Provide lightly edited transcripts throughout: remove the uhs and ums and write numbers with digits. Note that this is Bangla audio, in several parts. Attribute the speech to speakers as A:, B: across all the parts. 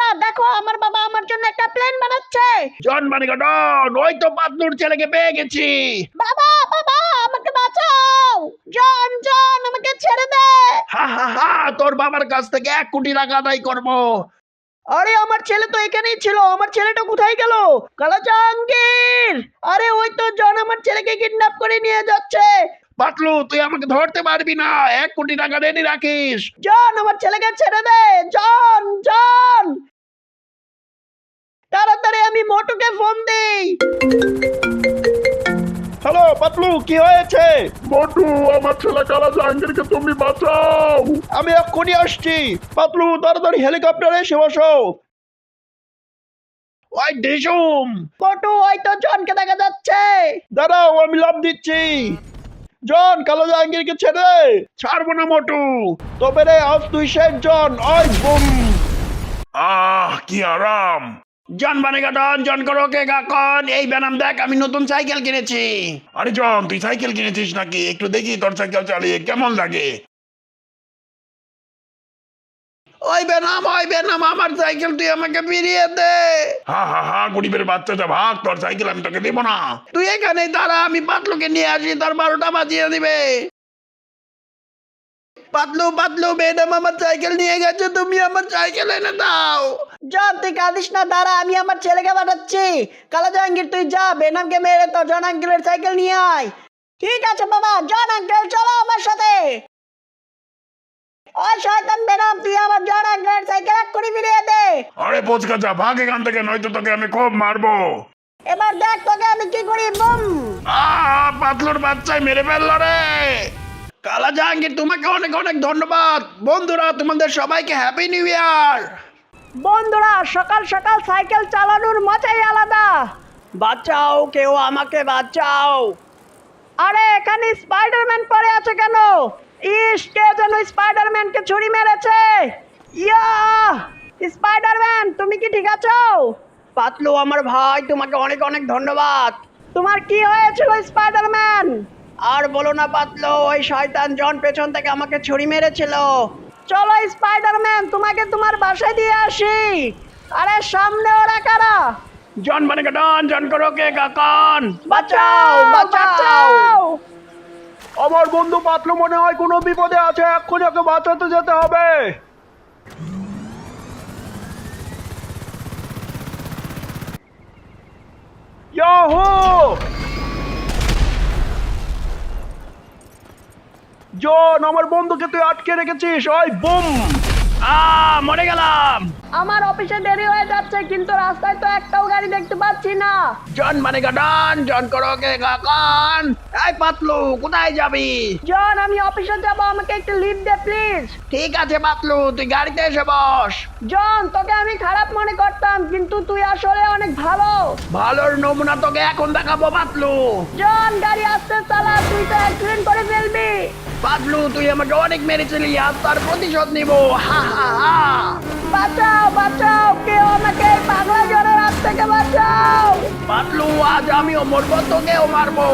A: বন্ধুরা দেখো আমার বাবা আমার জন্য একটা প্লেন বানাচ্ছে।
B: জন মানে ডন, ওই তো পাতলুর ছেলেকে পেয়ে গেছি।
A: বাবা বাবা আমাকে বাঁচাও, জন জন আমাকে ছেড়ে দে।
B: হা হা হা, তোর বাবার কাছ থেকে 1 কোটি টাকা আদায় করবো।
A: আরে আমার ছেলে তো এখানেই ছিল, আমার ছেলেটা কোথায় গেল? কালা জাহাঙ্গীর, আরে ওই তো জন আমার ছেলেকে কিডন্যাপ করে নিয়ে যাচ্ছে।
B: পাতলু তুই আমাকে ধরতে পারবি না, 1 কোটি টাকা রেডি রাখিস।
A: জন আমার ছেলেকে ছেড়ে দে, জন জন তাড়াতাড়ি আমি মোটুকে ফোন দেই।
B: হ্যালো পাতলু, কি হয়েছে?
C: মোটু, আমার ছেলে কালা জাহাঙ্গীরকে তুমি বাঁচাও।
B: আমি এক্ষুনি আসছি। পাতলু তাড়াতাড়ি হেলিকপ্টারে এসে বসো। ওই ডিসুম,
A: মোটু ওই তো জনকে দেখা যাচ্ছে।
B: দাঁড়াও আমি লাভ দিচ্ছি। জন কালো জাহাঙ্গীরকে ছেড়ে দে। ছাড়বো না মোটু, তবে রে আজ তুই শেষ জন। ওই বুম।
C: কি আরাম।
B: জন বানেগা ডন, জন করো কে গাকন। এই বেনাম দেখ, আমি নতুন সাইকেল কিনেছি।
C: আরে জন, তুই সাইকেল কিনেছিস নাকি? একটু দেখি তোর সাইকেল চালিয়ে কেমন লাগে।
B: ওই বেনাম আমার সাইকেল তুই আমাকে ফিরিয়ে দে।
C: হা হা হা, গরিবের বাচ্চাটা ভাগ, তোর সাইকেল আমি তোকে দেবো না।
B: তুই এখানে দাঁড়া, আমি পাতলুকে নিয়ে আসি, তার 12টা বাজিয়ে দিবে। পাতলু পাতলু, বেনাম আমার সাইকেল নিয়ে গেছে, তুমি আমার সাইকেল এনে দাও।
A: জন তুই কাঁদিস না, দাঁড়া আমি আমার ছেলেকে পাঠাচ্ছি। কালা জাহাঙ্গীর তুই যা, বেনামকে মেরে তো জন আঙ্কেলের সাইকেল নিয়ে আয়। ঠিক আছে বাবা, জন আঙ্কেল চলো আমার সাথে। ওই শয়তান বেনাম, তুই আমার জন আঙ্কেলের সাইকেল এক্ষুনি ফিরিয়ে দে।
C: আরে পোচকা যা, ভাগ এখান থেকে, নয়তো তোকে আমি খুব মারবো।
A: এবার দেখ তোকে আমি কি করি। বুম।
C: পাতলুর বাচ্চায় মেরে ফেললো রে।
B: কালা জাহাঙ্গীর তোমাকে অনেক অনেক ধন্যবাদ। বন্ধুরা তোমাদের সবাইকে হ্যাপি নিউ ইয়ার।
A: বন্ধুরা সকাল সকাল সাইকেল চালানোর মজাই আলাদা। বাঁচাও, কেউ আমাকে বাঁচাও। আরে এখানে স্পাইডারম্যান পড়ে আছে কেন? ইস, কে যেন স্পাইডারম্যানকে ছুরি মেরেছে। ইয়া, স্পাইডারম্যান তুমি কি ঠিক আছো? পাতলু আমার ভাই, তোমাকে অনেক অনেক ধন্যবাদ। তোমার কি হয়েছিল স্পাইডারম্যান? আর বলো না পাতলু, ওই শয়তান জন পেছন থেকে আমাকে ছুরি মেরেছিল। চলো স্পাইডারম্যান, তোমাকে তোমার বাসায় দিয়ে আসি। আরে সামনে ওরা কারা?
B: জন বানেগা ডন, জন করো কে গাকন।
A: বাঁচাও বাঁচাও।
B: আমার বন্ধু পাতলু মনে হয় কোনো বিপদে আছে, এক্ষুনি ওকে বাঁচাতে যেতে হবে। ইয়াহু! জন আমার বন্ধুকে তুই আটকে রেখেছিস। ওই বুম। মরে গেলাম।
A: আমার অফিসে দেরি হয়ে যাচ্ছে, কিন্তু রাস্তায় তো একটাও গাড়ি দেখতে পাচ্ছি না।
B: জন বানেগা ডন, জন করো কে গাকন। এই পাতলু কোথায় যাবি?
A: জন আমি অফিসে যাব, আমাকে একটু লিভ দে প্লিজ।
B: ঠিক আছে পাতলু, তুই গাড়িতে এসে বস।
A: জন তোকে আমি খারাপ মনে করতাম, কিন্তু তুই আসলে অনেক ভালো।
B: ভালোর নমুনা তোকে এখন দেখাবো পাতলু।
A: জন গাড়ি আস্তে চালা, তুই তো অ্যাক্সিডেন্ট করে ফেলবি।
B: পাতলু তুই আমাকে অনেক মেরেছিলি, আজ তার প্রতিশোধ নিব। হা হা হা।
A: বাঁচাও বাঁচাও, কেউ আমাকে এই পাগলা জনের হাত থেকে বাঁচাও।
B: পাতলু আজ আমিও মরবো, তোকেও মারবো।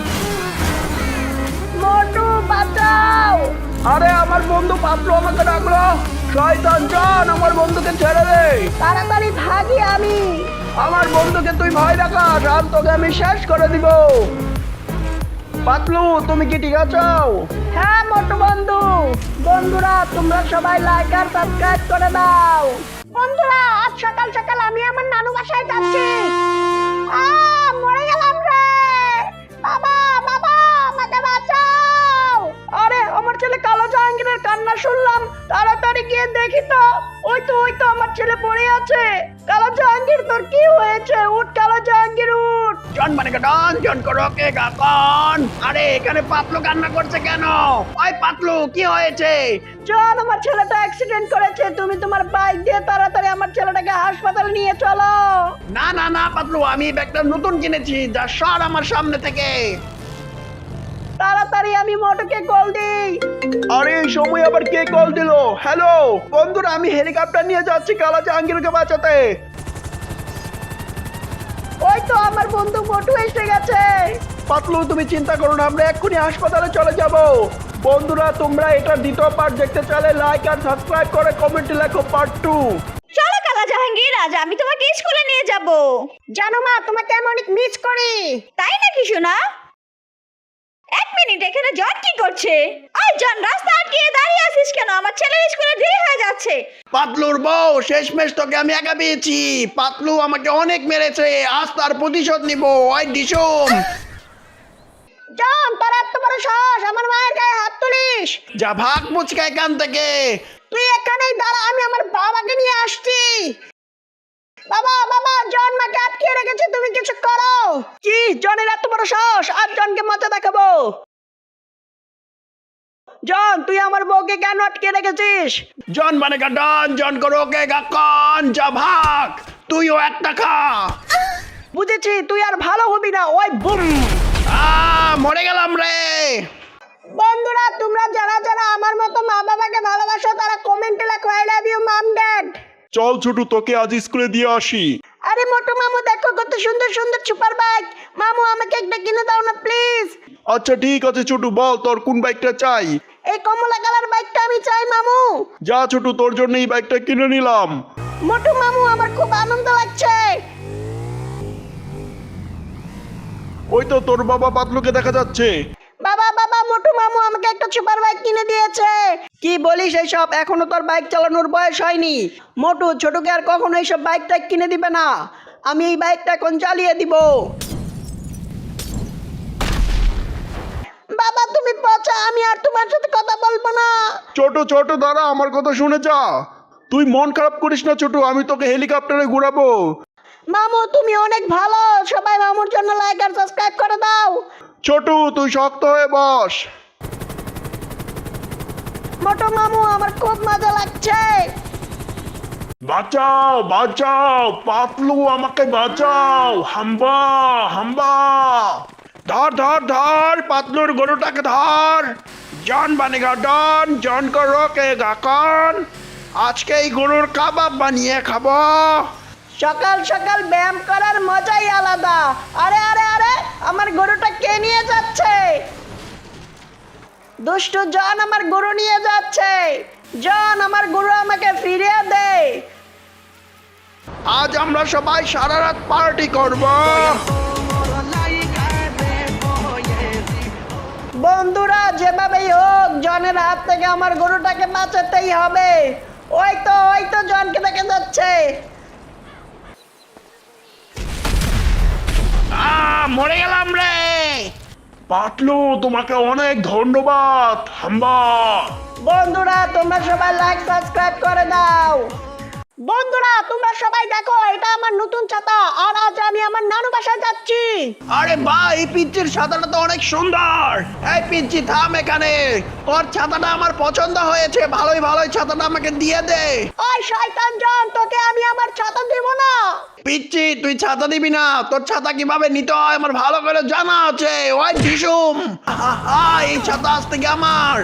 A: মোটু বাঁচাও।
B: আরে আমার বন্ধু পাতলু আমাকে ডাকলো। শয়তান জন, আমার বন্ধুকে ছেড়ে দে।
A: তাড়াতাড়ি ভাগি আমি।
B: আমার বন্ধুকে তুই ভয় দেখাস, আর তোকে আমি শেষ করে দিব। পাতলু তুমি কি ঠিক আছো?
A: হ্যাঁ মোটু বন্ধু। বন্ধুরা তোমরা সবাই লাইক আর সাবস্ক্রাইব করে দাও। বন্ধুরা আজ সকাল সকাল আমি আমার নানু বাসায় যাচ্ছি। মরে গেলাম রে। বাবা বাবা আমাকে বাঁচাও। আরে আমার ছেলে কালো জাহাঙ্গীরের কান্না শুনলাম, তাড়াতাড়ি গিয়ে দেখি তো। ওই তো আমার ছেলে পড়ে আছে। কালো জাহাঙ্গীর তোর কি হয়েছে? উঠ কালো জাহাঙ্গীর উঠ।
B: জন বানেগা ডন, জন করো কে গাকন। আরে এখানে পাতলু কান্না করছে কেন? ওই পাতলু কি হয়েছে?
A: জন আমার ছেলেটা অ্যাক্সিডেন্ট করেছে, তুমি তোমার বাইক দিয়ে তাড়াতাড়ি আমার ছেলেটাকে হাসপাতালে নিয়ে চলো।
B: না না না পাতলু, আমি ব্যাগটা নতুন কিনেছি, যা সর আমার সামনে থেকে।
A: তাড়াতাড়ি আমি মোটুকে কল দিই।
B: আরে এই সময় আবার কে কল দিল? হ্যালো বন্ধুরা, আমি হেলিকপ্টার নিয়ে যাচ্ছি কালা জাহাঙ্গীরকে বাঁচাতে।
A: ওই তো আমার বন্ধু মোটু এসে গেছে।
B: পাতলু তুমি চিন্তা করো না, আমরা এক্ষুনি হাসপাতালে চলে যাব। বন্ধুরা তোমরা এটার দ্বিতীয় পার্ট দেখতে চাইলে লাইক আর সাবস্ক্রাইব করে কমেন্টে লেখো পার্ট 2।
A: চলো কালা জাহাঙ্গীর।
D: যাব।
A: জানো মা, তোমাকে আমি অনেক মিস করি।
D: তাই নাকি সোনা? এক মিনিট, এখানে জন কি করছে? ওই জন, রাস্তা আটকিয়ে দাঁড়িয়ে আছিস কেন? আমার ছেলের স্কুলে দেরি হয়ে যাচ্ছে।
B: পাতলুর বউ, শেষমেশ তোকে আমি একা পেয়েছি। পাতলু আমাকে অনেক মেরেছে, আজ তার প্রতিশোধ নিব। ওই ডিসুম,
A: জন, তোর এত বড় সাহস আমার মায়ের গায়ে হাত তুলিস?
B: যা ভাগ মুচকা এখান থেকে।
A: তুই এখানেই দাঁড়া, আমি আমার বাবাকে নিয়ে আসছি। বাবা, বাবা, জন মাকে আটকে রেখেছে, তুমি কিছু করো। কি, জনের এত বড় সাহস? আর জনকে মজা দেখাবো। জন, তুই আমার বউকে কেন আটকে রেখেছিস?
B: জন মানে ডন, জন করো কে গাকন, যা ভাগ। তুইও একটা খা।
A: বুঝেছি, তুই আর ভালো হবি না। ওই বুম।
B: মরে গেলাম রে।
A: বন্ধুরা, তোমরা যারা যারা আমার মতো মা বাবাকে ভালোবাসো তারা কমেন্টে লেখো I love you mom dad.
B: চল ছোটু, তোকে আজ স্কুলে দিয়ে আসি।
A: আরে মোটু মামু, দেখো কত সুন্দর সুন্দর সুপার বাইক। মামু, আমাকে একটা কিনে দাও না প্লিজ।
B: আচ্ছা ঠিক আছে ছোটু, বল তোর কোন বাইকটা চাই।
A: এই কমলা কালার বাইকটা আমি চাই মামু।
B: যা ছোটু, তোর জন্য এই বাইকটা কিনে নিলাম।
A: মোটু মামু, আমার খুব আনন্দ লাগছে।
B: ওই তো তোর বাবা পাতলুকে দেখা যাচ্ছে।
A: বাবা, বাবা, মোটু মামু আমাকে একটা সুপার বাইক কিনে দিয়েছে। কি বলিস এইসব? এখনো তোর বাইক চালানোর বয়স হয়নি। মোটু ছোটকে আর কখনো এইসব বাইক টাইক কিনে দিবে না। আমি এই বাইকটা এখন চালিয়ে দিব। বাবা, তুমি পচা, আমি আর তোমার সাথে কথা বলবো না।
B: ছোট ছোট দাঁড়া, আমার কথা শুনে যা। তুই মন খারাপ করিস না ছোটু, আমি তোকে হেলিকপ্টারে ঘুরাবো।
A: মামু, তুমি অনেক ভালো। সবাই মামুর জন্য লাইক আর সাবস্ক্রাইব করে দাও।
B: ছোটু তুই শক্ত হয়ে বস।
A: মোটু মামু, আমার খুব মজা লাগছে।
C: বাঁচাও বাঁচাও, পাতলু আমাকে বাঁচাও। হাম্বা হাম্বা।
B: ধর ধর ধর, পাতলুর গরুটাকে ধর। জন বানেগা ডন, জন করো কে গাকন। আজকে এই গরুর কাবাব বানিয়ে খাবো।
A: সকাল সকাল ব্যায়াম করার মজাই আলাদা। আরে আরে আরে, আমার গরুটা কে নিয়ে যাচ্ছে? দুষ্টু জন আমার গরু নিয়ে যাচ্ছে। জন, আমার গরু আমাকে ফিরিয়ে দে।
B: আজ আমরা সবাই সারা রাত পার্টি করব।
A: বন্ধুরা, যেভাবেই হোক জনের হাত থেকে আমার গরুটাকে বাঁচাতেই হবে। ওই তো জনকে দেখা যাচ্ছে।
B: মরে গেলাম রে।
C: পাতলু, তোমাকে অনেক ধন্যবাদ। হাম্বা।
A: বন্ধুরা, তোমরা সবাই লাইক সাবস্ক্রাইব করে দাও। বন্ধুরা, তোমরা সবাই দেখো, এটা আমার নতুন ছাতা। আর আজ আমি আমার নানু বাসায় যাচ্ছি।
B: আরে বাহ, এই পিচ্চির ছাতাটা তো অনেক সুন্দর। এই পিচ্চি থাম এখানে, তোর ছাতাটা আমার পছন্দ হয়েছে। ভালোই ভালোই ছাতাটা আমাকে দিয়ে দে।
A: ওই শয়তান জন, তোকে আমি আমার ছাতা দেব না।
B: পিচ্চি, তুই ছাতা দিবি না? তোর ছাতা কিভাবে নিতে হয় আমার ভালো করে জানা আছে। ওই ডিসুম, এই ছাতা আজ থেকে আমার।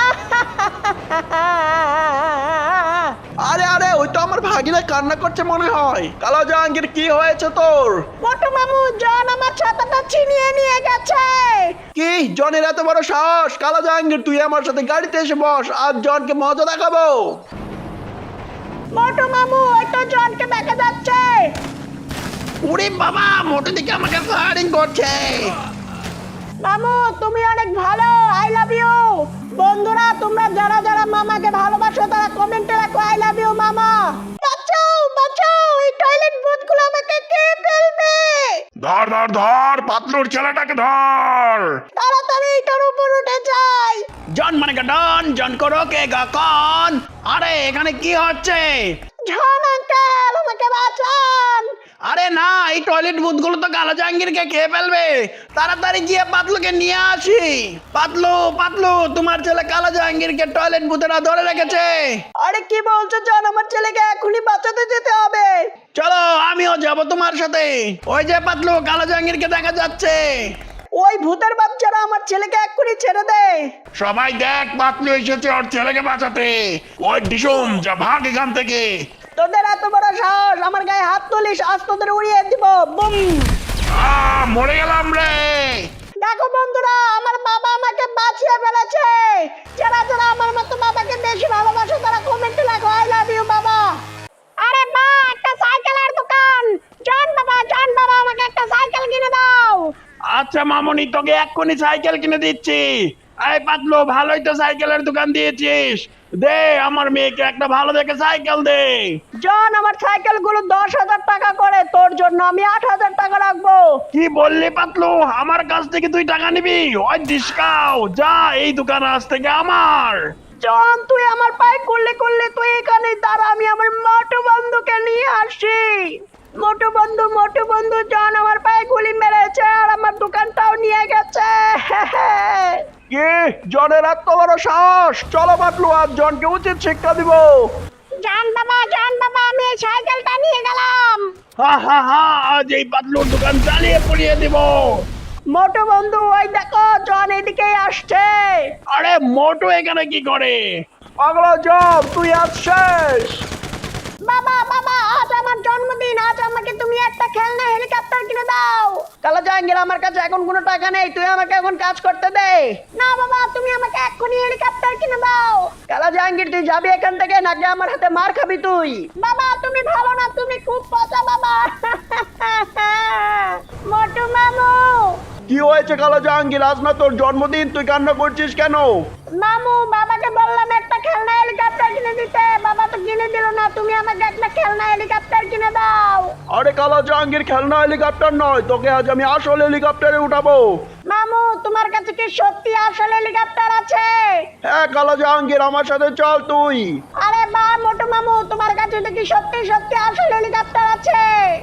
B: আরে আরে, ওই তো আমার ভাগিনা কান্না করছে মনে হয়। কালো জাহাঙ্গীর, কি হয়েছে তোর?
A: মোটু মামু, জন আমার ছাতাটা ছিনিয়ে নিয়ে গেছে।
B: কি, জনের এত বড় সাহস? কালো জাহাঙ্গীর, তুই আমার সাথে গাড়িতে এসে বস, আর জনকে মজা দেখাবো।
A: মোটু মামু, ওই তো জনকে দেখা যাচ্ছে।
B: উড়ি বাবা, মোটে দিকে আমাকে ফায়ারিং করছে।
A: মামু, তুমি অনেক ভালো। I love you. বন্ধুরা, তোমরা যারা যারা মামাকে ভালোবাসো তারা কমেন্টে লেখো আই লাভ ইউ মামা। বাঁচাও বাঁচাও, এই টয়লেট ভূতগুলো আমাকে কে ফেলবে।
C: ধর ধর ধর, পাতলুর ছেলেটাকে ধর।
A: তাড়াতাড়ি এটার উপর উঠে যাই।
B: জন মানে ডন, জন করো কে গাকন। আরে এখানে কি হচ্ছে?
A: জন আঙ্কেল, আমাকে বাঁচান।
B: আরে না, এই টয়লেট ভূতগুলো তো কালো জাহাঙ্গীরকে খেয়ে ফেলবে। তাড়াতাড়ি গিয়ে পাতলুকে নিয়ে আসি। পাতলু পাতলু, তোমার ছেলে কালো জাহাঙ্গীরকে টয়লেট ভূতেরা ধরে রেখেছে।
A: আরে কি বলছো জন, আমার ছেলেকে এখনই বাঁচাতে যেতে হবে।
B: চলো, আমিও যাব তোমার সাথে। ওই যে পাতলু, কালো জাহাঙ্গীরকে দেখা যাচ্ছে।
A: ওই ভূতের বাচ্চারা আমার ছেলেকে এক্ষুনি ছেড়ে দে।
C: সবাই দেখ, পাতলু এসেছে ওর ছেলেকে বাঁচাতে। ওই ডিসুম, যা ভাগ এখান থেকে।
A: তোদের এত বড় সাহস, আমার গায়ে হাত তুলিস, আজ তোদের উড়িয়ে দিব। বুম।
C: মরে গেলাম রে।
A: দেখো বন্ধুরা, আমার বাবা আমাকে বাঁচিয়ে ফেলেছে। যারা যারা আমার মতো বাবাকে বেশি ভালোবাসো তারা কমেন্টে লেখো আই লাভ ইউ বাবা। আরে বাহ, একটা সাইকেলের দোকান। জন
B: আচ্ছা মামুনি, তোকে এক্ষুনি সাইকেল কিনে দিচ্ছি। এই পাতলু, ভালোই তো সাইকেলের দোকান দিয়েছিস, দে আমার মেয়েকে একটা ভালো দেখে সাইকেল দে।
A: জন, আমার সাইকেল গুলো 10,000 টাকা করে, তোর জন্য আমি 8,000 টাকা রাখবো।
B: কি বললি পাতলু, আমার কাছ থেকে তুই টাকা নিবি? ওই ডিসকাও, যা, এই দোকান আজ থেকে আমার।
A: জন, তুই আমার পায়ে করলে করলে, তুই এখানে দাঁড়া, আমি আমার মোটু বন্ধুকে নিয়ে আসি। মোটু বন্ধু, জন আমার পায়ে গুলি মেরেছে আর আমার দোকানটাও নিয়ে গেছে।
B: কি, জনের এত বড় সাহস? চলো পাতলু, আজ জনকে উচিত শিক্ষা দিব।
A: জান বাবা, আমি এই সাইকেলটা নিয়ে গেলাম।
B: হা হা হা, আজ এই পাতলুর দোকান চালিয়ে পুড়িয়ে দিব।
A: মোটু বন্ধু, ওই দেখো জন এদিকেই আসছে।
B: আরে মোটু এখানে কি করে? পাগলা জব, তুই আজ শেষ।
A: বাবা, আজ আমার জন্মদিন, আজ আমাকে তুমি একটা খেলনা হেলিকপ্টার কিনে দাও। কালা জাহাঙ্গীর, আমার কাছে এখন কোনো টাকা নেই, তুই আমাকে এখন কাজ করতে দে। না বাবা, তুমি আমাকে এক্ষুনি হেলিকপ্টার কিনে দাও। কালা জাহাঙ্গীর, তুই যাবি এখান থেকে নাকি আমার হাতে মার খাবি তুই? বাবা তুমি ভালো না, তুমি খুব পচা বাবা। মোটু মামু।
B: কি হয়েছে কালা জাহাঙ্গীর, আজ না তোর জন্মদিন, তুই কান্না করছিস কেন?
A: মামু, বাবাকে বললাম একটা খেলনা হেলিকপ্টার কিনে দিতে, বাবা তো কিনে দিল না, তুমি আমাকে একটা খেলনা হেলিকপ্টার কিনে দাও।
B: আরে কালা জাহাঙ্গীর, খেলনা হেলিকপ্টার নয়, তোকে আজ আমি আসল হেলিকপ্টারে উঠাবো।
A: মামু, তোমার কাছে কি সত্যি আসল হেলিকপ্টার আছে?
B: হ্যাঁ কালা জাহাঙ্গীর, আমার সাথে চল তুই।
A: আরে বাহ মোটু মামু, তোমার কাছে তো কি সত্যি সত্যি আসল হেলিকপ্টার আছে?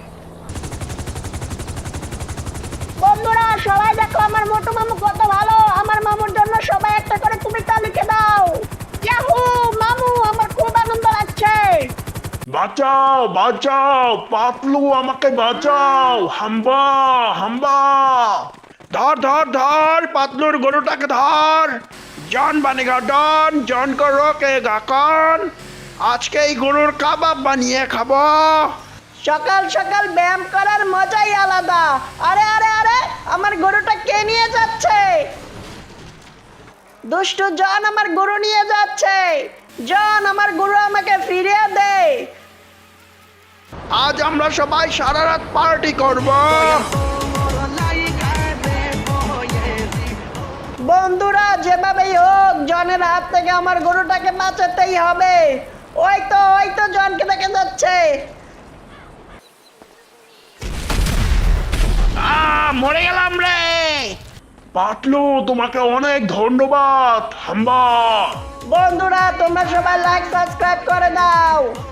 A: বন্ধুরা সবাই দেখো আমার মোটু মামু কত ভালো, আমার মামুর জন্য সবাই একটা করে কবিতা লিখে দাও। ইয়াহু মামু, আমার খুব আনন্দ লাগছে।
C: বাঁচাও বাঁচাও, পাতলু আমাকে বাঁচাও, হাম্বা হাম্বা।
B: ধর ধর ধর, পাতলুর গরুটাকে ধর। জন বানেগা ডন, জন কো রোকেগা কন। আজকে এই গরুর কাবাব বানিয়ে খাবো।
A: সকাল সকাল ব্যায়াম করার মজাই আলাদা। আরে আরে আরে, আমার গরুটা কে নিয়ে যাচ্ছে? দুষ্টু জন আমার গরু নিয়ে যাচ্ছে। জন, আমার গরু আমাকে ফিরিয়ে দে।
B: আজ আমরা সবাই সারা রাত পার্টি করব।
A: বন্ধুরা যেভাবেই হোক জনের হাত থেকে আমার গরুটাকে বাঁচাতেই হবে। ওই তো জনকে দেখে যাচ্ছে।
B: মরে গেলাম রে।
C: পাতলু তোমাকে অনেক ধন্যবাদ, হাম্বা।
A: বন্ধুরা তোমরা সবাই লাইক সাবস্ক্রাইব করে দাও।